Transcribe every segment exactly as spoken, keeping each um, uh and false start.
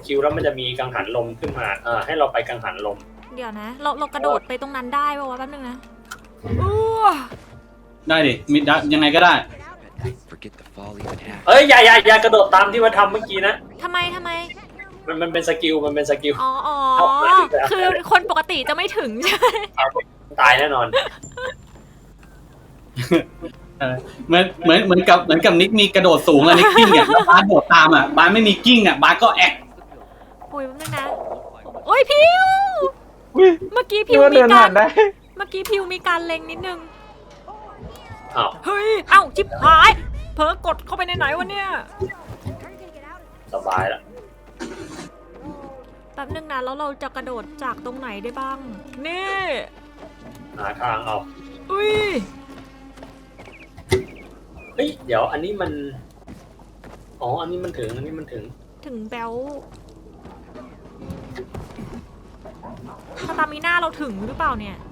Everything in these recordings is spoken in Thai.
คิวแล้วมันจะมีกังหันลมขึ้นมาเออให้เราไปกังหันลมเดี๋ยวนะเราเรากระโดดไปตรงนั้นได้ป่าววะแป๊บนึงนะอู้ได้ดิมีได้ยังไงก็ได้เอ้ยอย่าอย่าอย่ากระโดดตามที่ว่าทำเมื่อกี้นะทำไมทำไมมันมันเป็นสกิลมันเป็นสกิลอ๋ออ๋อคือคนปกติจะไม่ถึงใช่ไหมตายแน่นอนเหมือนเหมือนเหมือนกับเหมือนกับนิกมีกระโดดสูงอะนิกกิ้งอ่ะแล้วบาสโดดตามอ่ะบาสไม่มีกิ้งอ่ะบาสก็แอกโอ้ยแป๊บนึงนะโอ้ยพิวเมื่อกี้พิวมีการเมื่อกี้พิวมีการเล็งนิดนึงอ้าวเฮ้ยเอ้าจิ๊บหายเพิ่งกดเข้าไปในไหนวะเนี่ยสบายแล้วแป๊บนึงนะแล้วเราจะกระโดดจากตรงไหนได้บ้างนี่หาทางเอาอุ้ยเฮ้ยเดี๋ยวอันนี้มันอ๋ออันนี้มันถึงอันนี้มันถึงถึงแบลสตามิน่าเราถึงหรือเปล่าเนี่ย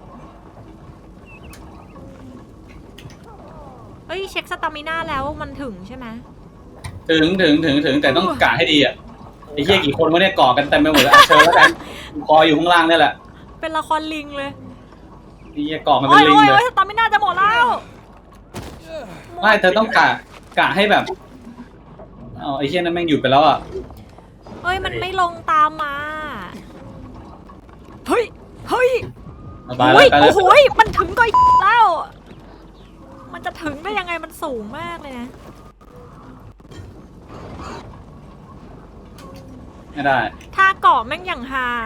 เอ้ยเช็คสตามิน่าแล้วมันถึงใช่ไหมถึงถึงถึงถึงแต่ต้องกะให้ดีอ่ะไอ้เหี้ยกี่คนวะเนี่ยก่อกันเต็มไปหมดแล้วเชิญแล้วกันคออยู่ข้างล่างนี่แหละเป็นละครลิงเลยไอ้เหี้ยก่อมันเป็นลิงเลยสตามิน่าจะหมดแล้วไม่เธอต้องกะกะให้แบบอ๋อไอ้เหี้ยนั่นแม่งหยุดไปแล้วอ่ะเฮ้ยมันไม่ลงตามมาเฮ้ยเฮ้ยไปแล้วไปแล้วโอ้โหมันถึงก็แล้วมันจะถึงได้ยังไงมันสูงมากเลยนะไม่ได้ถ้าเกาะแม่งอย่างฮา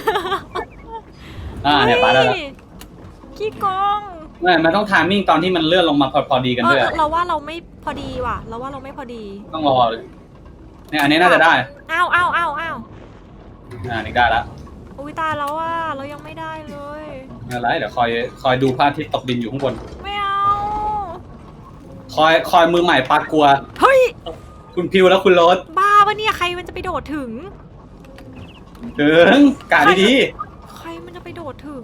อ่าเนี่ยไปแล้วขี้โกงไม่มันต้องทามมิ่งตอนที่มันเลื่อนลงมาพอพอดีกันด้วยเราว่าเราไม่พอดีว่ะเราว่าเราไม่พอดีต้องรอเลยเนี่ยอันนี้น่าจะได้อ้าวอ้าวอ้าวอ้าวอ่านี่ได้ละอุ้ยตายแล้วว่าเรายังไม่ได้เลยอะไรเดี๋ยวคอยคอยดูพระอาทิตย์ตกดินอยู่ข้างบนไม่เอาคอยคอยมือใหม่ปากกลัวเฮ้ยคุณพิวแล้วคุณโรสบ้าปะเนี่ยใครมันจะไปโดดถึงถึงกะดีๆใครมันจะไปโดดถึง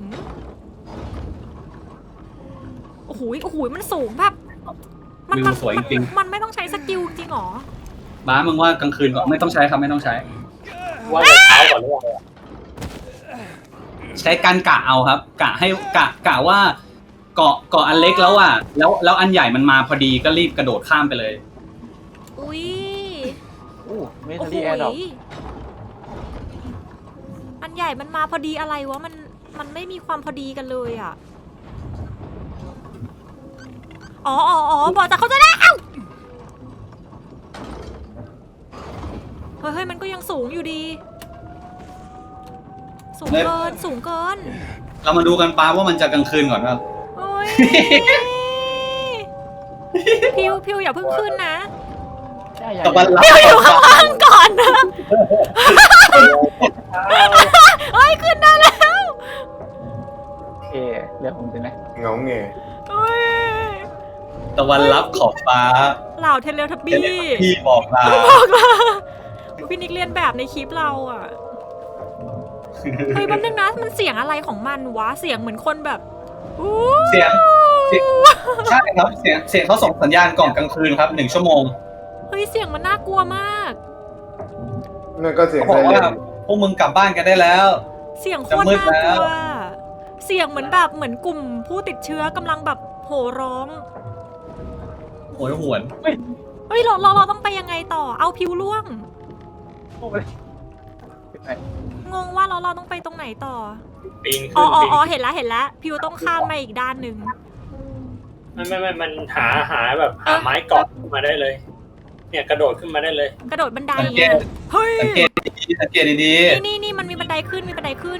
โอ้โหโอ้โหมันสูงแบบมันมันสวยจริงมันไม่ต้องใช้สกิลจริงหรอบ้ามึงว่ากลางคืนก็ไม่ต้องใช้ครับไม่ต้องใช้ว่าในเช้าก่อนหรือเปล่าใช้การกะเอาครับกะให้กะกะว่าเกาะเกาะอันเล็กแล้วอ่ะแล้วแล้วอันใหญ่มันมาพอดีก็รีบกระโดดข้ามไปเลยอุ้ยโอ้เมทัลลี่แอร์ดรอปอันใหญ่มันมาพอดีอะไรวะมันมันไม่มีความพอดีกันเลยอ่ะอ๋ออ๋ออ๋อบอกจะเขาจะได้เอ้าเฮ้ยเฮ้ยมันก็ยังสูงอยู่ดีสูงเกินสูงเกินเรามาดูกันป้าว่ามันจะกลางคืนก่อนครับโอ้ยพิวพิวอย่าเพิ่งขึ้นนะตะวันรับพิวอยู่ข้างล่างก่อนนะเฮ้ยขึ้นได้แล้วโอเคเดี๋ยวผมจะนะเงาเงยตะวันรับขอบฟ้าเหล่าเทเลทับบี้พี่บอกลาบอกลาพี่นิกเรียนแบบในคลิปเราอ่ะเฮ้ยแป๊บนึงนะมันเสียงอะไรของมันวะเสียงเหมือนคนแบบเสียงใช่ครับเสียงเสียงเขาส่งสัญญาณก่อนกลางคืนครับหนึ่งชั่วโมงเฮ้ยเสียงมันน่ากลัวมากนั่นก็เสียงบอกว่าพวกมึงกลับบ้านกันได้แล้วเสียงโคตรน่ากลัวเสียงเหมือนแบบเหมือนกลุ่มผู้ติดเชื้อกำลังแบบโห่ร้องโหยหวนเฮ้ยเราเราเราต้องไปยังไงต่อเอาพิวล่วงงงว่าเราเราต้องไปตรงไหนต่อปีนขึ้นอ๋ออ๋อเห็นแล้วเห็นแล้วพิวต้องข้ามมาอีกด้านหนึ่งไม่ไม่ไม่มันหาหาแบบหาไม้เกาะมาได้เลยเนี่ยกระโดดขึ้นมาได้เลยกระโดดบันไดเฮ้ยสังเกตดีสังเกตดีๆนี่นี่มันมีบันไดขึ้นมีบันไดขึ้น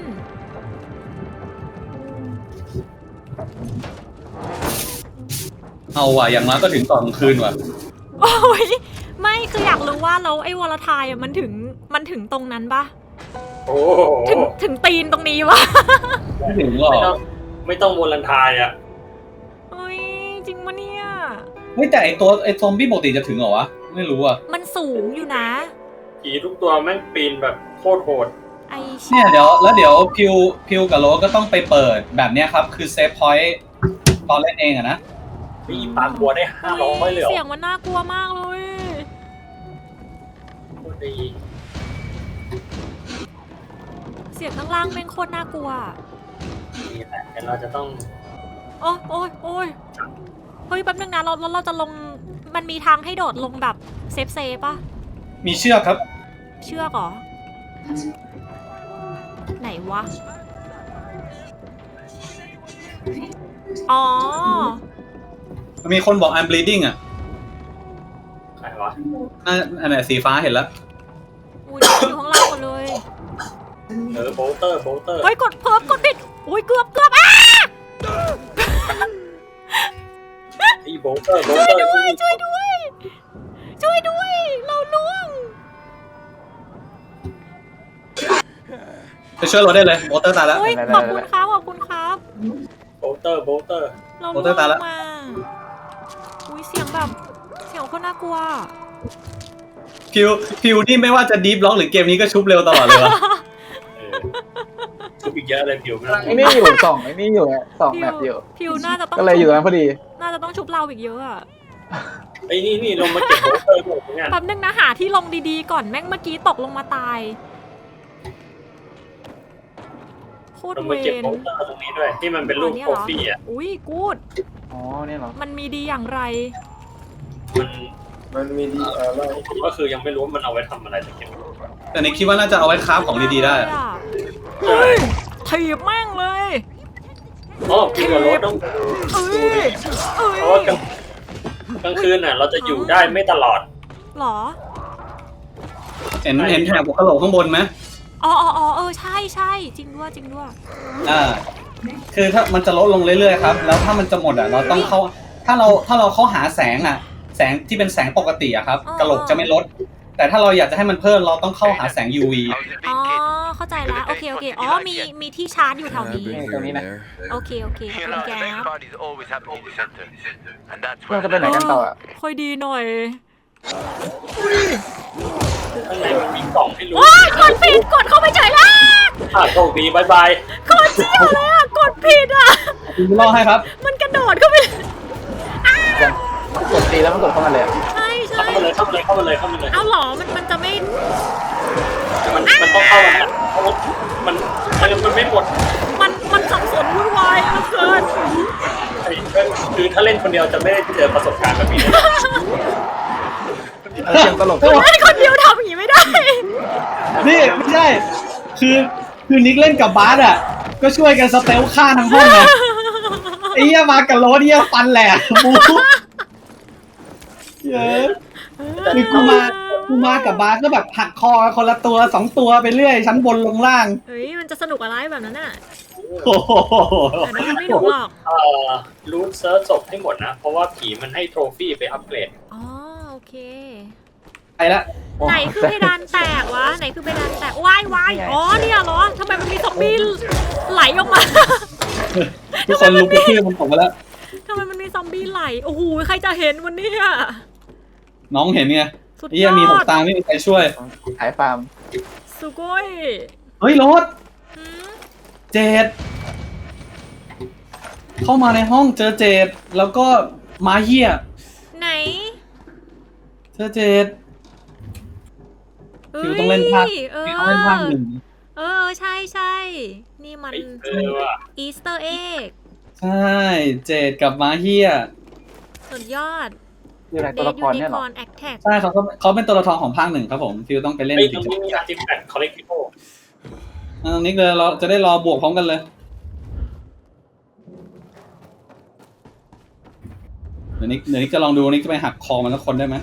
เอาว่ะอย่างน้อยก็ถึงตอนกลางคืนว่ะโอ้ยไม่คืออยากรู้ว่าแล้วไอ้วอลทายอ่ะมันถึงมันถึงตรงนั้นปะโอ้ถึงถึงตีนตรงนี้วะไม่ถึงหรอกไม่ต้องวอลทายอ่ะเฮ้ยจริงปะเนี่ยไม่แต่ไอตัวไอซอมบี้ปกติจะถึงเหรอวะไม่รู้อ่ะมันสูงอยู่นะผีทุกตัวแม่งปีนแบบโคตรโหดเนี่ยเดี๋ยวแล้วเดี๋ยวพิวพิวกับโรสก็ต้องไปเปิดแบบเนี้ยครับคือเซฟพอยต์ตอนเล่นเองอะนะมีปากบัวได้ห้าร้อยเลยเสียงมันน่ากลัวมากเลยโคตรดีเสียงข้างล่างแม่งโคตรน่ากลัวนี่แหละแต่เราจะต้องโอ้ยโอ้ยโอ้ยเฮ้ยแป๊บนึงนะเราเราเราจะลงมันมีทางให้โดดลงแบบเซฟเซฟป่ะมีเชือกครับเชือกเหรอ ไหนวะ อ๋อมีคนบอก I'm bleeding อ่ะใครวะอ่ะอันไหนสีฟ้าเห็นแล้วอุ้ยอยู่ข้างล่างหมดเลยเออโบลเตอร์โบลเตอร์เฮ้ยกดเพิ่มกดผิดอุ้ยเกือบเกือบอ้าไอ้โบลเตอร์โบลเตอร์ช่วยด้วยช่วยด้วย ช่วยด้วย เราล่วงไปช่วยเราได้เลยโมเตอร์ตายแล้วเฮ้ยขอบคุณครับขอบคุณครับโบลเตอร์โบลเตอร์เราโอ้ล่วตายแล้วงมาอุ้ยเสียงแบบเสียงโคตรน่ากลัวพิวพิวนี่ไม่ว่าจะดีฟล็อกหรือเกมนี้ก็ชุบเร็วตลอดเลยวะเออชุบอีกเยอะเลยผิวไม่ต้องไอ้นี่อยู่สองไอ้นี่อยู่อะสองแมปอยู่พิวน่าจะต้องก็เลยอยู่ตรงนั้นพอดีน่าจะต้องชุบเราอีกเยอะอะไอ้นี่นี่ลงมาเก็บโบลเตอร์หมดเนี่ยแป๊บนึงนะหาที่ลงดีๆก่อนแม่งเมื่อกี้ตกลงมาตายโคตลรง เวมาเก็บรโบลเตอร์ตรงนี้ด้วยที่มันเป็นรูปเนี่ยโปรเหรอฟี่อ่ะอุ้ยกูดอ๋อเนี่ยเหรอมันมีดีอย่างไรมันมันมีดีอะไรก็คือยังไม่รู้ว่ามันเอาไว้ทำอะไรแต่เก็บแต่ในคิดว่าน่าจะเอาไว้คราฟของดีๆได้เฮ้ยถีบแม่งเลยอ๋อพี่กับรถต้องเอ้ยเอ้ยเพราะว่ากลางกลางคืนน่ะ เราจะอยู่ได้ไม่ตลอดหรอเห็นเห็นแถบหัวกะโหลกข้างบนไหมอ๋ออ๋ออ๋อเออใช่ใช่จริงด้วยจริงด้วยอ่า คือถ้ามันจะลดลงเรื่อยๆครับ แล้วถ้ามันจะหมดอ่ะ เราต้องเข้า ถ้าเราถ้าเราเข้าหาแสงอ่ะ แสงที่เป็นแสงปกติอะครับกะโหลกจะไม่ลด แต่ถ้าเราอยากจะให้มันเพิ่มเราต้องเข้าหาแสง ยู วีอ๋อเข้าใจแล้วโอเคโอเคอ๋อมีมีที่ชาร์จอยู่แถวนี้ตรงนี้นะโอเคโอเคขอบคุณแกครับเราจะไปไหนกันต่ออะค่อยดีหน่อยข้างในมันมีกล่องให้รู้ว้ายกดผิดกดเข้าไปเฉยแล้วอ่ะโชคดีบายบายโคตรเชี่ยวเลยอ่ะกดผิดอ่ะคุณรอให้ครับมันกระโดดเข้าไปยังกดตีแล้วมันกดเข้ามาเลยอะใช่ใช่เข้ามาเลยเข้ามาเลยเข้ามาเลยเข้ามาเลยเอาหรอมันมันจะไม่มันมันต้องเข้ามาเพราะว่ามันมันมันไม่หมดมันมันสับสนวุ่นวายเหลือเกินไอ้คือถ้าเล่นคนเดียวจะไม่ได้เจอประสบการณ์แบบนี้เลยเออเสียงตลกเล่นคนเดียวทำอย่างนี้ไม่ได้นี่ไม่ใช่ คือคือนิกเล่นกับบาสอ่ะ ก็ช่วยกันสเตลฆ่าทั้งห้องไงไอ้เหี้ยมากับโรสเหี้ยฟันแหลกบูเยอะคือกูมากูมากับบาสก็แบบหักคอคนละตัวสองตัวไปเรื่อยชั้นบนลงล่างเฮ้ยมันจะสนุกอะไรแบบนั้นน่ะโอ้โหแต่นั้นมันไม่หนุกหรอกเอ่อรูทเซิร์ชศพให้หมดนะ เพราะว่าผีมันให้โทรฟี่ไปอัปเกรดอ๋อโอเคไปละไหนคือเพดานแตกวะไหนคือเพดานแตกว้ายว้ายอ๋อเนี่ยเหรอทำไมมันมีซอมบี้ไหลออกมาทุกคนลุกขึ้นมันตกไปแล้วทำไมมันมีซอมบี้ไหลโอ้โหใครจะเห็นวันนี้อะน้องเห็นไงสุดไอ้เหี้ยยอมีหกดตาไม่มีใครช่วยขายฟาร์มสุโกยเฮ้ยโรสหืมเจดเข้ามาในห้องเจอเจดแล้วก็มาเหี้ยไหนเจอเจด คิวต้องเล่นภาคเออคิวต้องเล่นภาคหนึ่งเออใช่ใช่นี่มันไอ้เออว่ะอีสเตอร์เอ็กใช่ เจดกับมาเฮียสุดยอดอยู่ไหนเดตัวดละคยูรนิเนี่ยคเหรออนแอคแท็กใช่เขาก็เขาเป็นตัวละครของภาคหนึ่งครับผมฟิวต้องไปเล่นไอ้ถึตรง งจะนี้มีอาร์ติแฟกต์คอลเลกติโออ่านิกเลยเราจะได้รอบวกพร้อมกันเลย เดี๋ยวนิกเดี๋ยวนิกจะลองดูนิกจะไปหักคอมันแล้วคนได้ไหม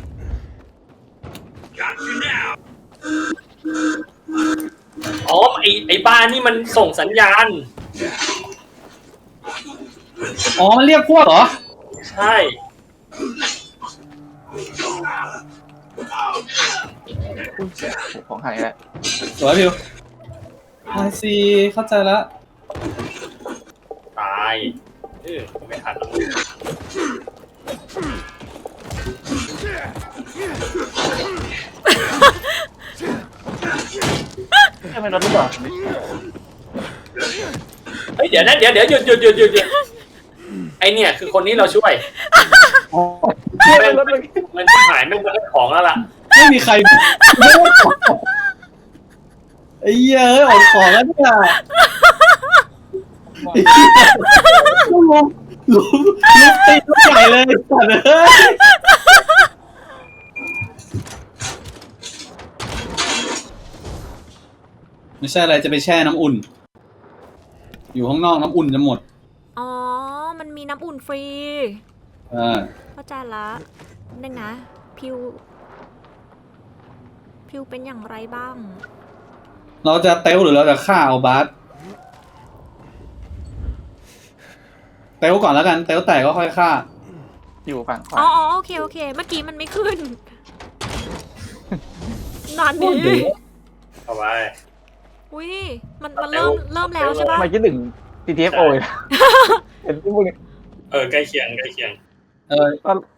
อ๋อไอ้ไอ้บ้านนี่มันส่งสัญญาณอ๋อมันเรียกพวกเหรอใช่ของหายแล้วสวยฟิวไอซีเข้าใจแล้วตายเออไม่ทันแล้วใช่เป็นรถหรือเปล่าเฮ้ยเดี๋ยวนะเดี๋ยวเดี๋ยวหยุดหยุดหยุดหยุดหยุดไอเนี่ยคือคนนี้เราช่วยอ๋อใช่แม่เป็งนรถเลยมันที่หายไม่งมันของแล้วล่ะไม่มีใครไอ้เหี้ยเอ้ยอดของแล้วเนี่ยลุมลุมลุมตีลูกใหญ่เลยสัตว์เอ้ยไม่ใช่อะไรจะไปแช่น้ำอุ่น อยู่ข้างนอกน้ำอุ่นจะหมดอ๋อ มันมีน้ำอุ่นฟรีอ่าเข้าใจละนึงนะ พิว พิวเป็นอย่างไรบ้างเราจะเตลหรือเราจะฆ่าเอาบาสเตลก่อนแล้วกัน เตลแตกก็ค่อยฆ่าอยู่ฝั่งขวาอ๋ออ๋อโอเค โอเค เมื่อกี้มันไม่ขึ้น นานนี้เอาไว้อุ้ย มันมันเริ่มเริ่มแล้วใช่ปะไม่คิดถึง จี ที เอฟ โอ เลยนะเห็นที่พวกนี้เออใกล้เคียงใกล้เคียงเออ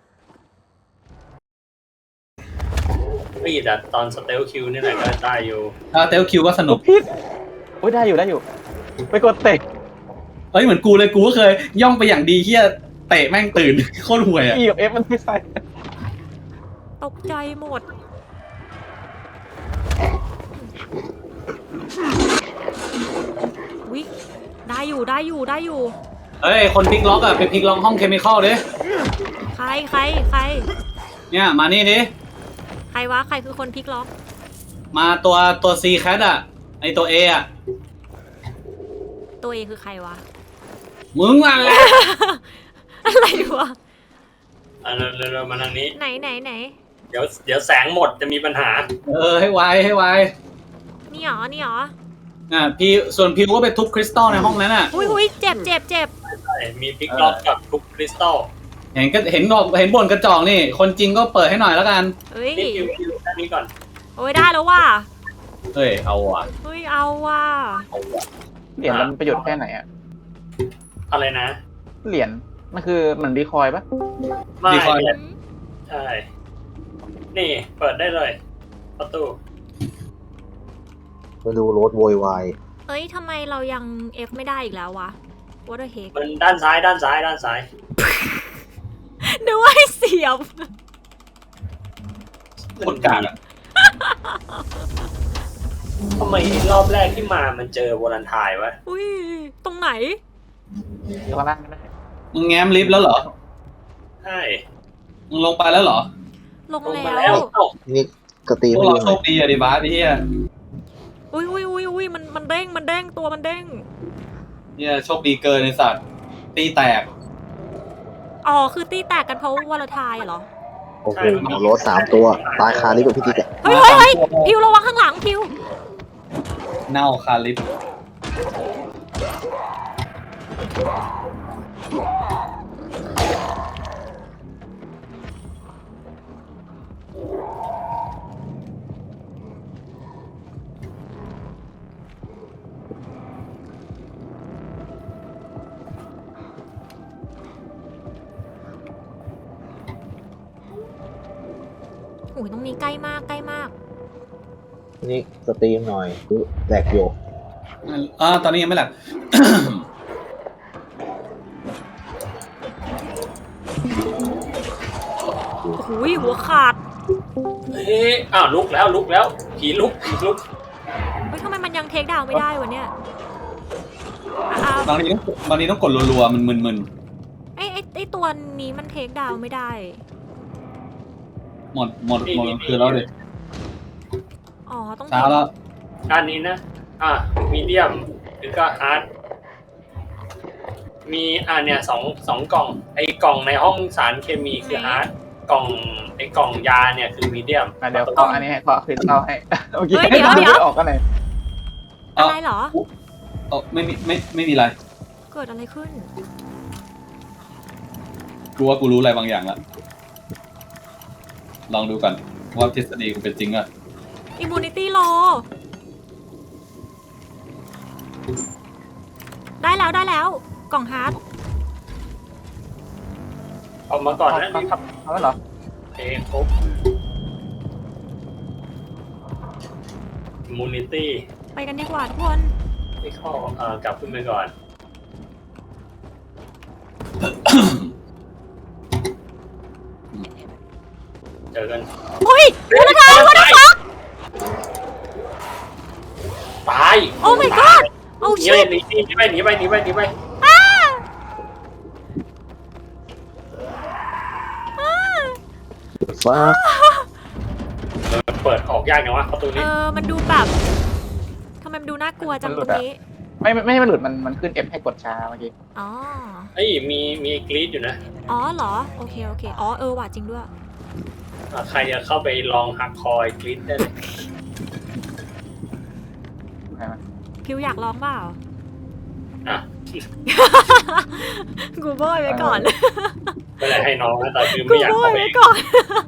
พี่แต่ตอนสเตลคิวนี่แหละก็ได้อยู่ถ้าเตลคิวก็สนุกพิษโอ้ยได้อยู่ได้อยู่ ไปกดเตะเอ้ยเหมือนกูเลยกูก็เคย ย่องไปอย่างดีเฮียเตะแม่งตื่น โคตรห่วยอ่ะ E กับ F มันไม่ใช่ตกใจหมด วิได้อยู่ได้อยู่ได้อยู่เฮ้ย คนพลิกล็อกอ่ะไปพลิกล็อกห้องเคมีคอลดิใครใครใครเนี่ยมานี่ดิใครวะ ใครคือคนพลิกล็อกมาตัวตัว C cat อ่ะ ไอตัว A อ่ะตัวเองคือใครวะมึงอะไรอะไรวะอ่ะเร็วๆมาทางนี้ไหนไหนไหนเดี๋ยวเดี๋ยวแสงหมดจะมีปัญหาเออให้ไวให้ไวนี่หรอ นี่หรออ่ะพี่ส่วนพิวก็ไปทุบคริสตัลในห้องนั้นอ่ะอุ้ยอุ้ยเจ็บเจ็บเจ็บใช่มีพลิกล็อกกับทุกคริสตัลเห็นก็เห็นบอกเห็นบ่นกระจอกนี่ คนจริงก็เปิดให้หน่อยแล้วกันเฮ้ยนี่คิวคิวด้านนี้ก่อนโอ้ยได้แล้วว่ะเฮ้ย เอาว่ะเฮ้ยเอาว่ะเอาว่ะเหรียญมันประโยชน์แค่ไหนอะอะไรนะเหรียญมันคือเหมือนดีคอยปะไม่ดีคอยเนี่ยใช่ นี่เปิดได้เลย ประตูมาดูรถโวยวายเอ้ยทำไมเรายัง F ไม่ได้อีกแล้ววะ What the heck มันด้านซ้ายด้านซ้ายด้านซ้ายนึกว่าให้เสียบคนกลางอ่ะทำไมรอบแรกที่มามันเจอวอลันไทายวะอุ้ย ตรงไหนอยู่ข้างล่างไม่ได้มึงแง้มลิฟต์แล้วเหรอใช่มึงลงไปแล้วเหรอลงลงมาแล้แล้ว วเอ้านี่กระตีพวกไม่เราดูโชคดีอะดิบาสเฮียอุ้ยอุ้ยอุ้ยอุ้ยมันมันเด้งมันเด้งตัวมันเด้งเฮียโชคดีเกินในสัตว์ตีแตกอ๋อ คือตีแตกกันเพราะวอลทายเหรอโอ้โหรถสามตัว ตายคาลิฟต์กับพี่ติ๊กอะเฮ้ยเฮ้ยเฮ้ยพิวระวังข้างหลังพิวเน่าคาลิฟต์โอ้ยตรงนี้ใกล้มากใกล้มากนี่สตรีมหน่อยแหลกอยู่อ่าตอนนี้ยังไม่หลับโอ้โหหัวขาดเฮ้ยอ้าวลุกแล้วลุกแล้วผีลุกผีลุกเฮ้ยทำไมมันยังเทคดาวน์ไม่ได้วะเนี่ยอ้าวบางทีต้องบางทีต้องกดรัวๆมันมึนไอ้ไอ้ไอ้ตัวนี้มันเทคดาวน์ไม่ได้ๆหมดหมดหมดคือแล้วดิอ๋อ ต้องเช้าแล้วด้านนี้นะ อ่ะมีเดียมหรือก็ฮาร์ดมีอ่ะเนี่ยสองสองกล่อง ไอ้กล่องในห้องสารเคมีคือฮาร์ดกล่องไอ้กล่องยาเนี่ยคือมีเดียมอ่ะเดี๋ยวขออันนี้ให้ขอคืนเข้าให้เมื่อกี้เฮ้ยเดี๋ยวเดี๋ยวออกกันไหนอะไรเหรอเออไม่มีไม่ไม่มีอะไรเกิดอะไรขึ้นกูว่ากูรู้อะไรบางอย่างละลองดูก่อนว่าทฤษฎีกูเป็นจริงอะ Immunity Low ได้แล้วได้แล้ว กล่องฮาร์ดเอามาก่อนนะครับเอาแล้วเหรอเอครบมูนิตี้ไปกันดีกว่าทุกคนไม่เข้าเอ่อกลับขึ้นไปก่อน เจอกันเฮ้ยวัตถุวัตถุฟักโอ้ my god โอ้หนีชิไปตหนีหนีไปหนีไปหนีไปหนีไปฟ้าเออเปิดออกยากอย่างวะประตูเอนี้อมันดูแบบทำไมมันดูน่ากลัวจังตรงนี้ไม่ไม่ไม่ให้มันหลุดมันมันขึ้น F ให้กดช้าเมื่อกี้อ๋อเอ้ยมีมีกรีดอยู่นะอ๋อเหรอโอเคโอเคอ๋อเออว่ะจริงด้วยอ่ะใครจะเข้าไปลองหักคอยกรีดได้เลยใช่ไหมพิวอยากร้องเปล่าอ่ะกูโบยไว้ก่อนไม่ได้ให้น้องนะแต่คือกูไม่อยากโบเข้าย ไปไว้ก่อน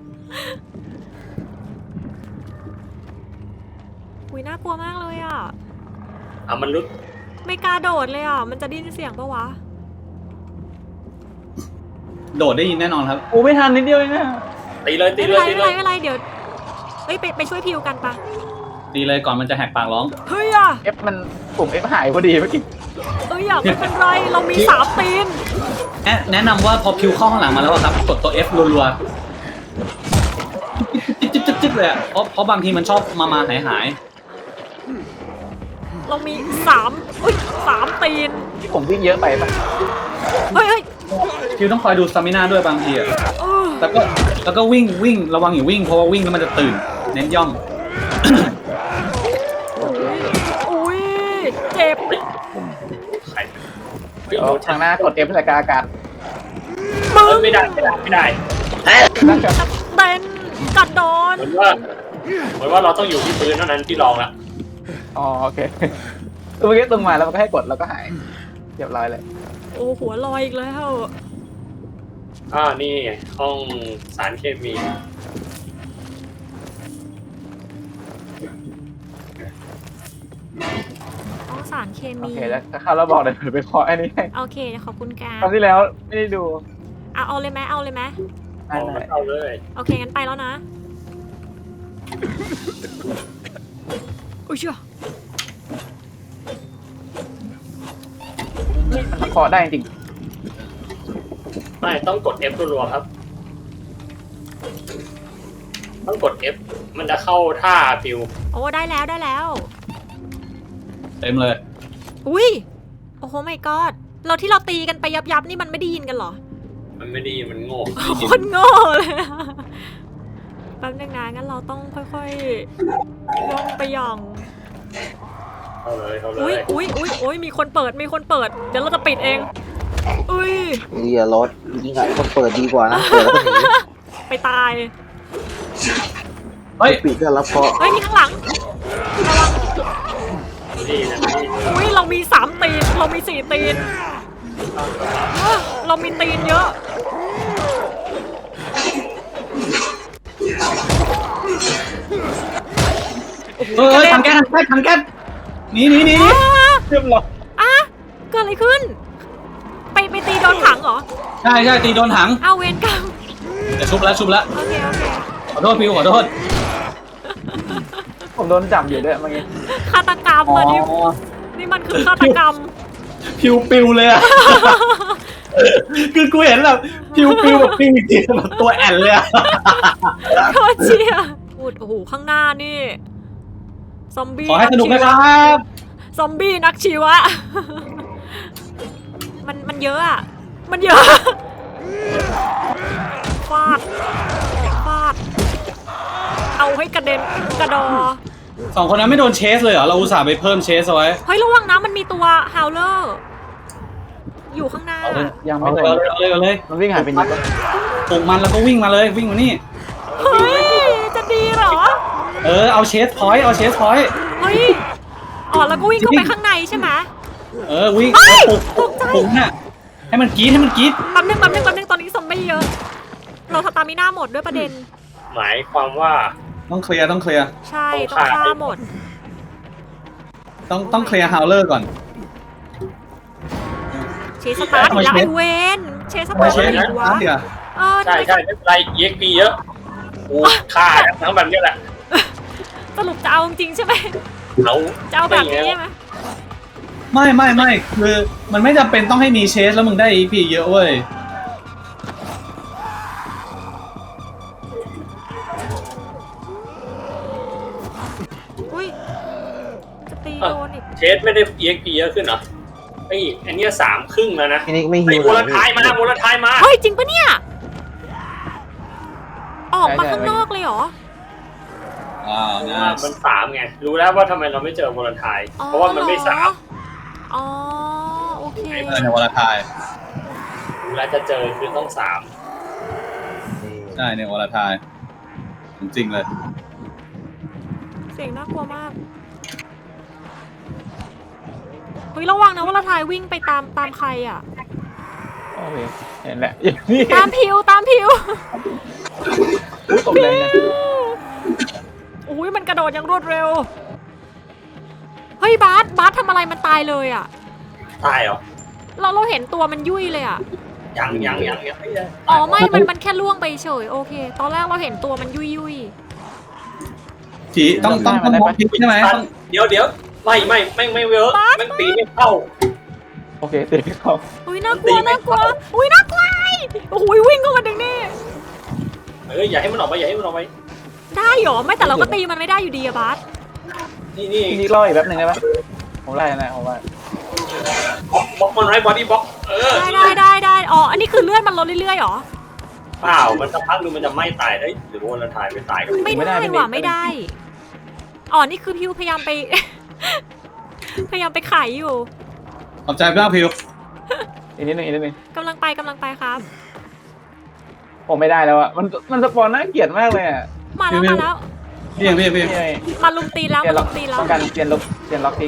คุยน่ากลัวมากเลยอ่ะอ่ะมันลุดไม่กล้าโดดเลยอ่ะ มันจะได้ยินเสียงปะวะโดดได้ยินแน่นอนครับกูไม่ทันนิดเดียวเองนะตีเลยตีไม่เลเป็นย ตีเลยไรไม่เป็นไรไม่เป็นไรเดี๋ยวเอ้ยไปไปช่วยพิวกันปะตีเลยก่อนมันจะแหกปากร้องเฮ้ยอ่ะ F มันปุ่ม F หายพอดีเมื่อกี้เอ้ยอ่ะไม่เป็นไรเรามีสามตีนแนะแนะนำว่าพอพิวเข้าข้างหลังมาแล้วอะครับกดตัว F รัวๆจิ๊บจิ๊บจิ๊บจิ๊บเลยอะเพราะเพราะบางทีมันชอบมามาหายหายเรามีสามอุ้ยสามตีนที่ผมวิ่งเยอะไปป่ะเฮ้ยเฮ้ยพิวต้องคอยดูสตามิน่าด้วยบางทีอะเออแล้วก็แล้วก็วิ่งวิ่งระวังอย่าวิ่งเพราะว่าวิ่งแล้วมันจะตื่น เน้นย่องอุ้ยเจ็บใครเฮ้ยเดี๋ยวทางหน้ากด F ใส่กาอากาศมึงไม่ได้ไม่ได้ไม่ได้นั่นก็เต้นกัดโดนเหมือนว่าเหมือนว่าเราต้องอยู่ที่พื้นเท่านั้นที่ลองละอ๋อโอเคตัวเมื่อกี้ตึงมาแล้วมันก็ให้กดแล้วก็หายเรียบร้อยเลยโอ้หัวลอยอีกแล้วอ่านี่ไงห้องสารเคมีต้องสารเคโอมีเคแล้วถ้าเข้าแล้วบอกเดี๋ยวไปเคาะไอ้นี่ให้โอเคขอบคุณแกคราวที่แล้วไม่ได้ดูเอาเอาเลยไหมเอาเลยไหมได้เอาได้เอาเลยโอเคงั้นไปแล้วนะอุ้ยเชื่อมันเคาะได้จริงไม่ต้องกด F รัวๆครับ ต้องกด F มันจะเข้าท่าฟิวโอ้ได้แล้วได้แล้วเต็มเลยอุ้ยโอ้โหไม่กอดเราที่เราตีกันไปยับยับๆนี่มันไม่ได้ยินกันเหรอมันไม่ดีมันโง่โคนโง่เลยอะแป๊บนึงนะงั้นเราต้องค่อยๆย่องไปย่องเข้าเลยเข้าเลอุ้ยยอุ้ยอุ้ยอุ้ยมีคนเปิดมีคนเปิด เดี๋ยวเราจะปิดเอง อุ้ยเรียรถยิงอ่ะคนเปิดดีกว่านะเปิดแล้วก็หนีไปตายเฮ้ยปิดก็รับเคราะห์เฮ้ยมีข้างหลังระวังดีนะดีอุ้ยเรามีสามตีน เรามีสี่ตีนเอ้อเรามีตีนเยอะเออทางแก๊สทางแก๊สทางแก๊สหนีหนีหนีอ้าเรียบร้อยอ่ะเกิดอะไรขึ้น ไปไปตีโดนถังเหรอใช่ใช่ตีโดนถังเอาเวรกรรมจะชุบแล้วชุบแล้วโอเคโอเคขอโทษพิวขอโทษผมโดนจับอยู่ด้วยเมื่อกี้ฆาตกรรมอ๋อมานี่นี่มันคือฆาตกรรมพิวปิวเลยอะ คือกูเห็นแบบพิวปิวแบบปิวจริงๆแบบตัวแอนเลยอะโคตรเชียพูดโอ้โหข้างหน้านี่ซอมบี้ขอให้สนุกนะครับซอมบี้นักชีวะ มันมันเยอะอะมันเยอะฟาดฟาดเอาให้กระเด็นกระดอสองคนนั้นไม่โดนเชสเลยเหรอ เราอุตส่าห์ไปเพิ่มเชสเอาไว้เฮ้ยระวังนะมันมีตัวฮาวเลอร์อยู่ข้างหน้ายังเอาไม่เลโดยนเอาเลยเอาเลยมันวิ่งหายไปนิดปลุกมันแล้วก็วิ่งมาเลยวิ่งมานี่เฮ้ยจะดีเหรอเออเอาเชสพอยต์เอาเชสพอยต์เฮ้ยอ๋อแล้วก็วิ่งเข้าไปข้างในใช่ไหมเออวิ่งเฮ้ยปลุกตกใจปลุกน่ะให้มันกรี๊ดให้มันกรี๊ดแป๊บนึงแป๊บนึงแป๊บนึงตอนนี้ซอมบี้เยอะ เราสตามิน่าหมดด้วยประเด็นหมายความว่าต้องเคลียร์ต้องเคลียร์ใช่ต้องฆ่าหมดต้องต้องเคลียร์ฮาวเลอร์ก่อนเชสสตาร์ทอีกแล้วไอเวนเชสสทำตาไมร์ทเชสอีกวะเดี๋ยวเออใช่ใช่ไม่เป็นไรเอ็กพีเยอะกูฆ่าทั้งแบบนี้แหละสรุปจะเอาจริงๆใช่ไหมเอาจะเอาแบบนี้ใช่ไหมไม่ไม่ไม่คือมันไม่จำเป็นต้องให้มีเชสแล้วมึงได้ อี พี เยอะเว้ยอุ้ยจะตีโดนอีกเชสไม่ได้ อี เอ็ก พี เยอะขึ้นเหรอไอ้อันเนี้ยสามครึ่งแล้วนะพี่นิกไม่ไอ้ฮิวโมเลลทายมาโมลทายมาเฮ้ยจริงปะเนี่ย ออกมาข้างนอกเลยเหรออ้าวนะมันสามไงรู้แล้วว่าทำไมเราไม่เจอโมลทายเพราะว่ามันไม่สามอ๋อโอเคเออในวอลทายรู้แล้วจะเจอคือต้องสามใช่ในวอลทายจริงเลยเสียงน่ากลัวมากเฮ้ยระวังนะว่าละทายวิ่งไปตามตามใครอ่ะโอเคเห็นแหละนี่ตามพิวตามพิวอุ้ยตกแรงนะอุ้ยมันกระโดดอย่างรวดเร็ว เฮ้ยบาสบาสทำอะไรมันตายเลยอ่ะตายเหรอเราเราเห็นตัวมันยุ่ยเลยอ่ะยังยังยังยังไม่ได้อ๋อไม่ มันมันแค่ล่วงไปเฉยโอเค ตอนแรกเราเห็นตัวมันยุ่ยยุ่ยผีต้องต้องต้องมองผีใช่ไหมตัต้นองเดี๋ยวเดี๋ยวไม่ไม่ไม่ไม่เวิร์กแม่งตีไม่เข้าโอเคตีเขาอุ้ยน่ากลัวน่ากลัวอุ้ยน่ากลัวโอ้โหวิ่งเข้ามาดึงนี่เอออย่าให้มันออกไปอย่าให้มันออกไปได้เหรอไม่แต่เราก็ตีมันไม่ได้อยู่ดีอะบาสนี่นี่พี่นิกรออีกแป๊บหนึงได้ไหมผมไล่นะผมว่าบล็อกบล็อกมันไว้บอดี้บล็อกเออได้ได้ได้ได้อ๋ออันนี้คือเลื่อนมันลดเรื่อยๆหรอเปล่ามันสักพักนึงมันจะไหม้ตายได้หรือว่าเราถ่ายไปตายกันไม่ได้ว่ะไม่ได้อ๋อนี่คือพิวพยายามไป พยายามไปไขอยู่ขอบใจมากพิวอีกนิดนึงอีกนิดนึงกำลังไปกำลังไปครับผมไม่ได้แล้วอะมันมันสปอนน่าเกลียดมากเลยอะมาแล้วมาแล้วพี่ยังพี่ยังพี่ยังนี่ไงมาลุมตีแล้วเปลี่ยมานล็ลุอกมตีแล้วต้องการเปลี่ยนล็อกเปลี่ยนล็อกทิก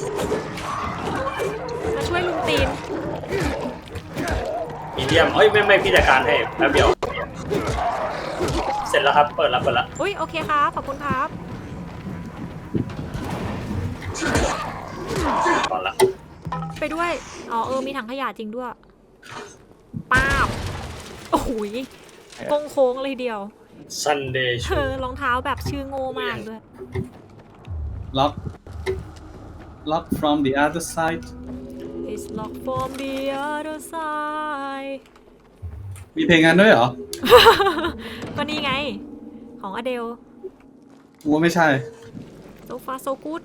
มาช่วยลุมตีนมีเดียมเอ้ยไม่ไม่พี่จัดการให้แป๊บเดียวเสร็จแล้วครับเปิดแล้วเปิดแล้วอุ้ยโอเคครับขอบคุณครับก่อนละไปด้วยอ๋อเออมีถังขยะจริงด้วยป้าบโอ้โหยโค้งโค้งๆเลยเดียวซันเดย์เธอรองเท้าแบบชื่อโง่มากด้วยล็อกล็อก from the other side It's locked from the other side มีเพลงงานด้วยเหรอก็นี่ไง ของอเดลกูว่าไม่ใช่ so far so good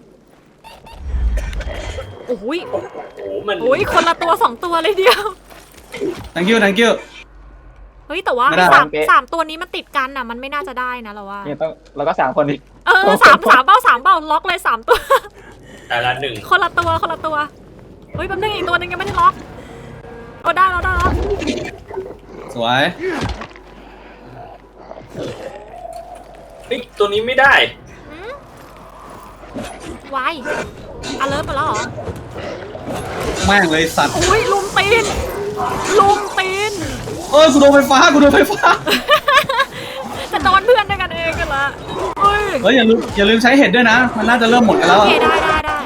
โอ้โหยโอ้โหมันโอ้ยคนละตัวสองตัวเลยเดียว thank you thank you เฮ้ยแต่ว่าไม่ได้สามสามตัวนี้มันติดกันอ่ะ มันไม่น่าจะได้นะเราว่าเนี่ยต้องเราก็สามคนอีกเออสามสามเบ้าสามเบ้าล็อกเลยสามตัวแต่ละหนึ่งคนละตัวคนละตัว เฮ้ยแป๊บนึงอีกตัวนึงยังไม่ได้ล็อกโอ้ได้แล้วได้แล้วสวยเฮ้ยตัวนี้ไม่ได้หืมวายอเลิร์หมดแล้วเหรอแม่งเลยสัตว์อุ้ยลุมตีนลุมตีนเออกูโดนไฟฟ้ากูโดนไฟฟ้าจะโดนเพื่อนด้วยกันเองกันละเฮ้ยเฮ้ยอย่าลืมอย่าลืมใช้เห็ดด้วยนะ มันน่าจะเริ่มหมดกันแล้วโออะเคได้ได้ได้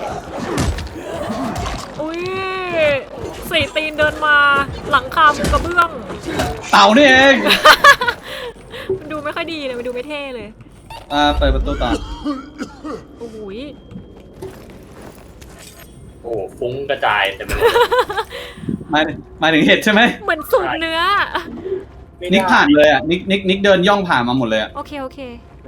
อุ้ยสี่ตีนเดินมาหลังคามุงกระเบื้องเต่านี่เองมันดูไม่ค่อยดีเลยมันดูไม่เท่เลยอ่าเปิดประตูต่อโอ้โหยโอ้โหฟุ้งกระจายแต่มันหมายหมายถึงเห็ดใช่ไหมเหมือนสูบเนื้อไม่นิกได้ผ่านเลยอ่ะนิกนิกนิกเดินย่องผ่านมาหมดเลยอ่ะโอเคโอเค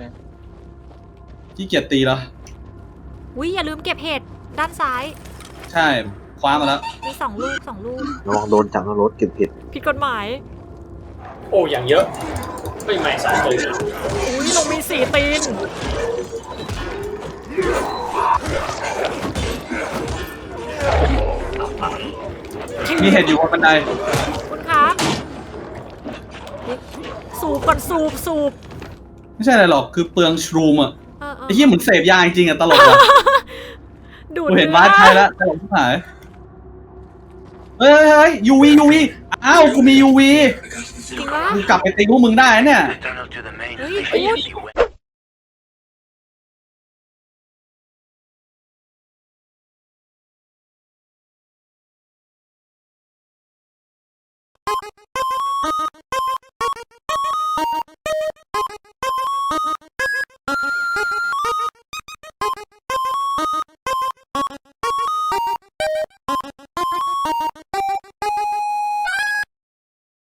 ขี้เกียจตีแล้วอุ้ยอย่าลืมเก็บเห็ดด้านซ้ายใช่คว้ามาแล้วมีสองลูกสองลูกระวังโดนจับนรถเก็บผิดผิดกฎหมายโอ้อย่างเยอะไม่ไม่สองตัวอุ้ยลงมีสี่ตีนมีเห็ดอยู่บนบันไดคุณครับสูบก่อนสูบสูบไม่ใช่อะไรหรอกคือเปลืองชรูมอ่ะเออเออไอ้เหี้ยเหมือนเสพยาจริงๆอ่ะตลกอ่ะดูดกูเห็นอบาสใช้แล้วตลกที่หายเฮ้ยเฮ้ยยูวียูวีอ้าวกูมียูวีจริงปะกูกลับไปตีพวกมึงได้เนี่ยเฮ้ยกู